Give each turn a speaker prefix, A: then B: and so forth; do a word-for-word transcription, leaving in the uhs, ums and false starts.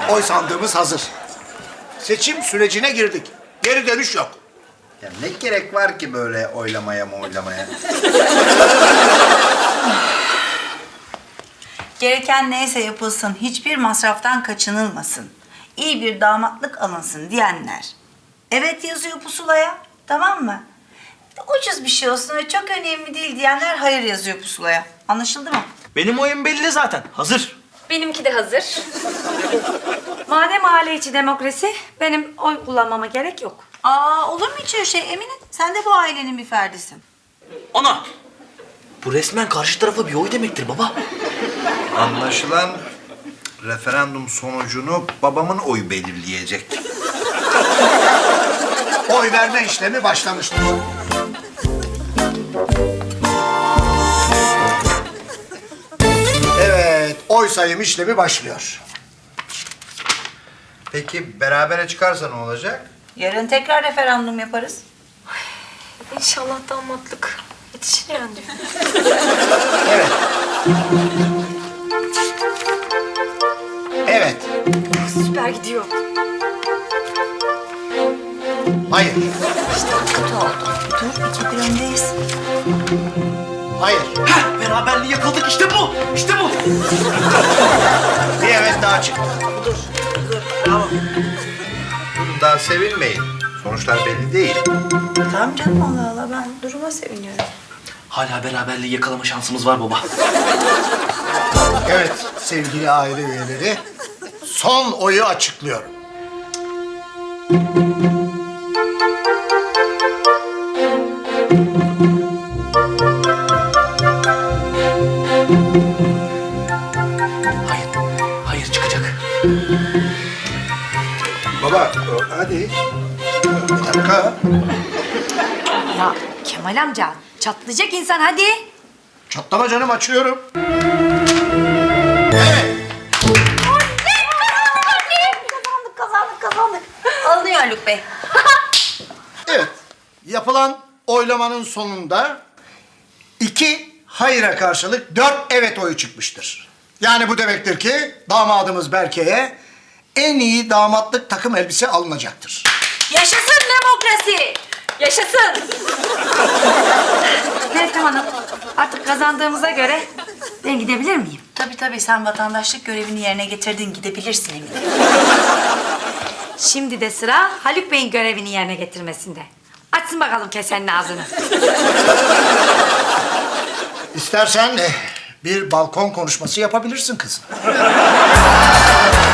A: Oy sandığımız hazır. Seçim sürecine girdik. Geri dönüş yok.
B: Ya ne gerek var ki böyle oylamaya mı oylamaya?
C: Gereken neyse yapılsın, hiçbir masraftan kaçınılmasın. İyi bir damatlık alınsın diyenler. Evet yazıyor pusulaya, tamam mı? Ucuz bir şey olsun ve çok önemli değil diyenler hayır yazıyor pusulaya. Anlaşıldı mı?
D: Benim oyun belli zaten. Hazır.
E: Benimki de hazır. Madem aile içi demokrasi, benim oy kullanmama gerek yok.
C: Aa, olur mu hiç öyle şey Emine? Sen de bu ailenin bir ferdisin.
D: Ana! Bu resmen karşı tarafa bir oy demektir baba.
B: Anlaşılan referandum sonucunu babamın oyu belirleyecek.
A: Oy verme işlemi başlamıştır. Evet, oy sayım işlemi başlıyor.
B: Peki berabere çıkarsa ne olacak?
C: Yarın tekrar referandum yaparız.
E: İnşallah damatlık yetişir yani.
A: Evet. Evet.
E: Süper gidiyor.
A: Hayır.
C: Kötü oldu. Dur, iki bir öndeyiz.
A: Hayır.
D: Heh, beraberliği yakaladık. İşte bu. İşte bu.
A: Bir evet daha çıktı.
B: Durun daha sevinmeyin. Sonuçlar belli değil.
C: Tamam canım, Allah Allah, ben duruma seviniyorum.
D: Hala beraberliği yakalama şansımız var baba.
A: Evet sevgili aile üyeleri, son oyu açıklıyorum.
D: Hayır. Hayır çıkacak.
A: Baba hadi. Bir dakika.
E: Ya Kemal amca, çatlayacak insan hadi.
A: Çatlama canım, açıyorum. Evet.
C: Kazandık, kazandık, kazandık. Alınıyor Haluk Bey.
A: Evet. Yapılan oylamanın sonunda iki hayıra karşılık dört evet oyu çıkmıştır. Yani bu demektir ki damadımız Berke'ye en iyi damatlık takım elbise alınacaktır.
E: Yaşasın demokrasi! Yaşasın! Meltem Hanım, artık kazandığımıza göre ben gidebilir miyim?
C: Tabii tabii, sen vatandaşlık görevini yerine getirdin, gidebilirsin Emine.
E: Şimdi de sıra Haluk Bey'in görevini yerine getirmesinde. Açsın bakalım kesenin ağzını.
A: İstersen eh, bir balkon konuşması yapabilirsin kızım.